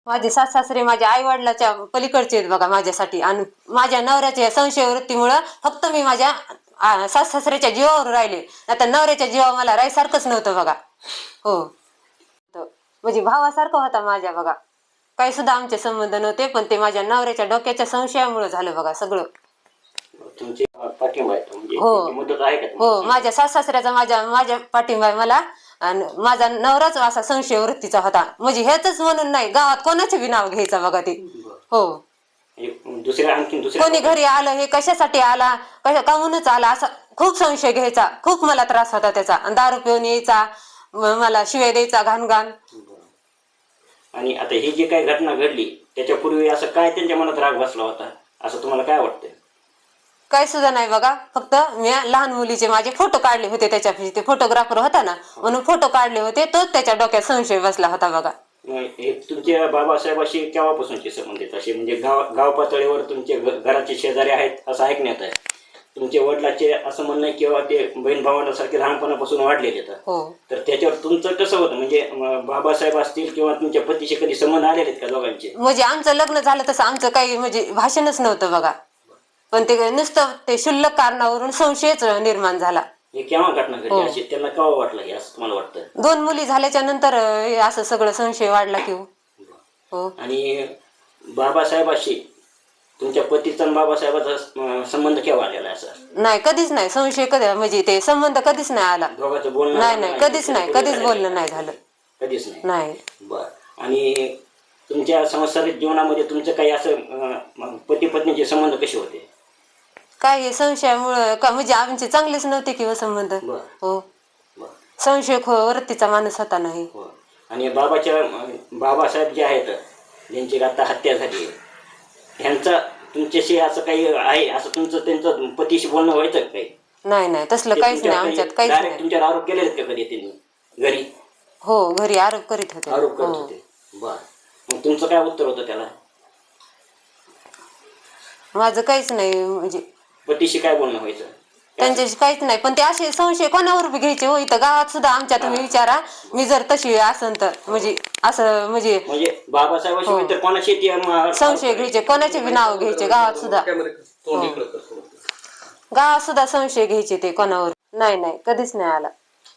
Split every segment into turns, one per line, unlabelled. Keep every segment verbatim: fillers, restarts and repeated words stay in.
माझे सास सासरे माझ्या आई वडिलाच्या पलीकडचे आहेत बघा माझ्यासाठी. आणि माझ्या नवऱ्याच्या संशय वृत्तीमुळं फक्त मी माझ्या सास सासऱ्याच्या जीवावर राहिले, आता नवऱ्याच्या जीवा मला राहायसारखंच नव्हतं बघा. हो, म्हणजे भावासारखं होता माझ्या बघा. काही सुद्धा आमचे संबंध नव्हते, पण ते माझ्या नवऱ्याच्या डोक्याच्या संशयामुळे झालं बघा सगळं.
तुमची पाठिंबा आहे म्हणजे
हो
मदत आहे का?
हो, माझ्या सास सासऱ्याचा माझ्या माझ्या पाठिंबा आहे मला. आणि माझा नवराच असा संशय वृत्तीचा होता, म्हणजे हेच म्हणून नाही, गावात कोणाचे बी नाव घ्यायचं बघा ते. हो,
दुसऱ्या आणखी दुसऱ्या
कोणी घरी आलं हे कशासाठी आला, कशा काहूनच आला, असा खूप संशय घ्यायचा. खूप मला त्रास होता त्याचा. दारू पिऊन यायचा, मला शिवाय द्यायचा घाण घाण.
आणि आता ही जी काही घटना घडली त्याच्यापूर्वी असं काय त्यांच्या मनात राग बसला होता असं तुम्हाला काय वाटतंय?
काही सुद्धा नाही बघा. फक्त मी लहान मुलीचे माझे फोटो काढले होते त्याच्या, ते फोटोग्राफर होता ना म्हणून फोटो काढले होते, तोच त्याच्या डोक्यात संशय बसला होता बघा.
हे तुमच्या बाबासाहेबाशी केव्हापासूनचे संबंध आहेत असे, म्हणजे गाव गाव पातळीवर तुमचे घराचे शेजारी आहेत असं ऐकण्यात आहे. तुमच्या वडिलाचे असं म्हणणं आहे किंवा ते बहीण भावांसारखे लहानपणापासून वाढलेले आहेत.
हो,
तर त्याच्यावर तुमचं कसं होतं, म्हणजे बाबासाहेब असतील किंवा तुमच्या पतीशी कधी संबंध आलेले आहेत का दोघांचे?
म्हणजे आमचं लग्न झालं तसं आमचं काही म्हणजे भाषणच नव्हतं बघा, पण ते नुसतं ते क्षुल्लक कारणावरून संशयच निर्माण झाला.
हे केव्हा घटना घडली अशी त्यांना केव्हा वाटलं हे असं तुम्हाला वाटतं?
दोन मुली झाल्याच्या नंतर हे असं सगळं संशय वाढला की. हो,
आणि बाबासाहेबाशी तुमच्या पतीचा आणि बाबासाहेबाचा संबंध केव्हा आलेला आहे? असं
नाही, कधीच नाही संशय. कधी म्हणजे ते संबंध कधीच नाही आला.
दोघांचं बोलणं
नाही नाही, कधीच नाही, कधीच बोलणं नाही झालं.
कधीच नाही.
नाही.
बर. आणि तुमच्या सांसारिक जीवनामध्ये तुमचं काही असं पती पत्नीचे संबंध कसे होते?
काय हे संशयामुळं का म्हणजे आमचे चांगलेच नव्हते किंवा संबंध. हो, संशय खो वरतीचा माणूस होता नाही.
आणि बाबाच्या बाबासाहेब जे आहेत ज्यांची आता हत्या झाली ह्यांचा तुमच्याशी असं काही आहे, असं तुमचं त्यांचं पतीशी बोलणं व्हायचं काही?
नाही नाही, तसलं काहीच नाही आमच्यात, काहीच नाही.
तुमच्यावर आरोप केले आहेत का कधी त्यांनी घरी?
हो, घरी आरोप करीत होते.
आरोप करत होते. बर. मग तुमचं काय उत्तर होतं त्याला?
माझं काहीच नाही, म्हणजे
पतीशी काय बोलणं व्हायचं?
त्यांच्याशी काहीच नाही. पण ते असे संशय कोणावर बी घ्यायचे हो. इथं गावात सुद्धा आमच्या तुम्ही विचारा, मी जर तशी असन तर म्हणजे असं म्हणजे
म्हणजे बाबासाहेबाशी तर कोणाशी
संशय घ्यायचे, कोणाचे बी नाव घ्यायचे गावात सुद्धा. गावात सुद्धा संशय घ्यायचे ते कोणावर. नाही नाही, कधीच नाही आला.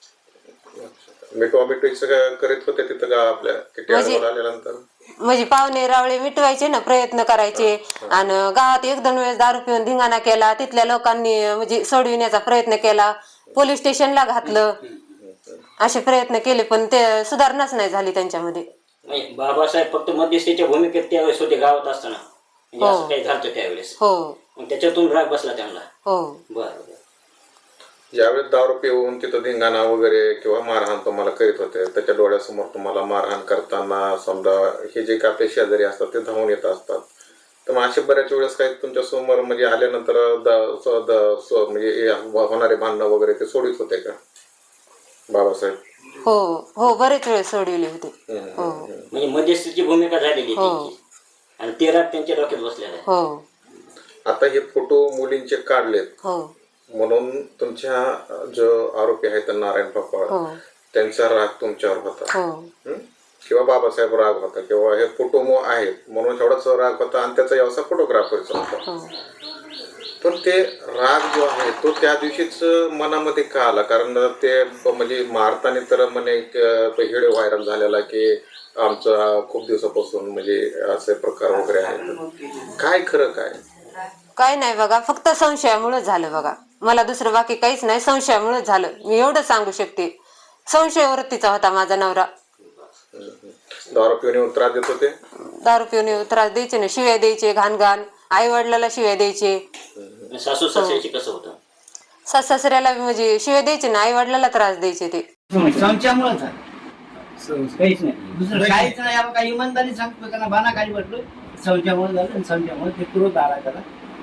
करीत होते तिथं का आपल्या
म्हणजे पाहुणे रावळे मिटवायचे ना, प्रयत्न करायचे. आणि गावात एक दोन वेळेस दारू पिऊन धिंगाणा केला, तिथल्या लोकांनी म्हणजे सोडविण्याचा प्रयत्न केला, पोलीस स्टेशनला घातलं, असे प्रयत्न केले, पण ते सुधारणाच नाही झाली त्यांच्यामध्ये.
बाबासाहेब फक्त मध्यस्थीच्या भूमिकेत त्यावेळेस होते गावात असताना, म्हणजे असं काही झालं त्यावेळेस?
हो.
त्याच्यातून राग बसला त्यांना?
हो.
बरं.
ज्यावेळेस दारू पिऊन तिथं धिंगाणा वगैरे किंवा मारहाण तुम्हाला करीत होते, त्याच्या डोळ्यासमोर तुम्हाला मारहाण करताना समजा हे जे काही आपले शेजारी असतात ते धावून येत असतात, तर मग असे बऱ्याच वेळेस काही तुमच्या समोर म्हणजे आल्यानंतर म्हणजे होणारे भांडणं वगैरे ते सोडित होते का बाबासाहेब?
हो हो, बरेच वेळ सोडविले होते. हो,
म्हणजे मध्यस्थीची भूमिका झालेली त्यांची आणि ते राग त्यांच्या डोक्यात बसलेला आहे.
हो.
आता हे फोटो मुलींचे काढलेत.
हो.
म्हणून तुमच्या जो आरोपी आहेत नारायण पापा, त्यांचा राग तुमच्यावर होता किंवा बाबासाहेब राग होता किंवा हे फोटो आहेत म्हणून एवढाच राग होता आणि त्याचा व्यवसाय फोटोग्राफरचा होता. पण ते राग जो आहे तो त्या दिवशीच मनामध्ये का आला? कारण ते म्हणजे मारताना तर म्हणे व्हिडिओ व्हायरल झालेला की आमचा खूप दिवसापासून म्हणजे असे प्रकार वगैरे आहेत. काय खरं काय?
काय नाही बघा, फक्त संशयामुळे झालं बघा. मला दुसरं बाकी काहीच नाही, संशयामुळे झालं. मी एवढं सांगू शकते. संशय वृत्तीचा होता माझा नवरा.
दारू पिऊन त्रास देत होते?
दारू पिऊन त्रास द्यायचे ना, शिव्या द्यायचे घाण घाण, आई वडिलाला शिव्या द्यायचे.
सासू सासऱ्याची कसं होतं?
सास सासऱ्याला म्हणजे शिव्या द्यायचे ना, आई वडिलाला त्रास द्यायचे ते.
संशयामुळे काहीच नाही, दुसरं काहीच नाही. आपण काही इमानदारी सांगतो त्यांना बाना काही म्हटलं, संशयामुळे झालं. संशयामुळे ते क्रोध आला त्याला.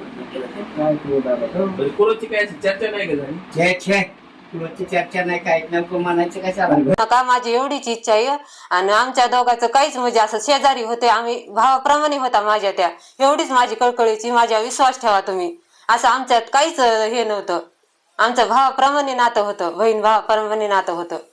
चर्चा नाही
चर्चा नाही, काय नेमकं म्हणायचं कशाला
का. माझी एवढीच इच्छा आहे. आणि आमच्या दोघांचं काहीच म्हणजे असं शेजारी होते, आम्ही भावाप्रमाणे होता माझ्या त्या. एवढीच माझी कळकळीची, माझ्या विश्वास ठेवा तुम्ही. असं आमच्यात काहीच हे नव्हतं. आमचं भावाप्रमाणे नातं होतं, बहीण भावाप्रमाणे नातं होतं.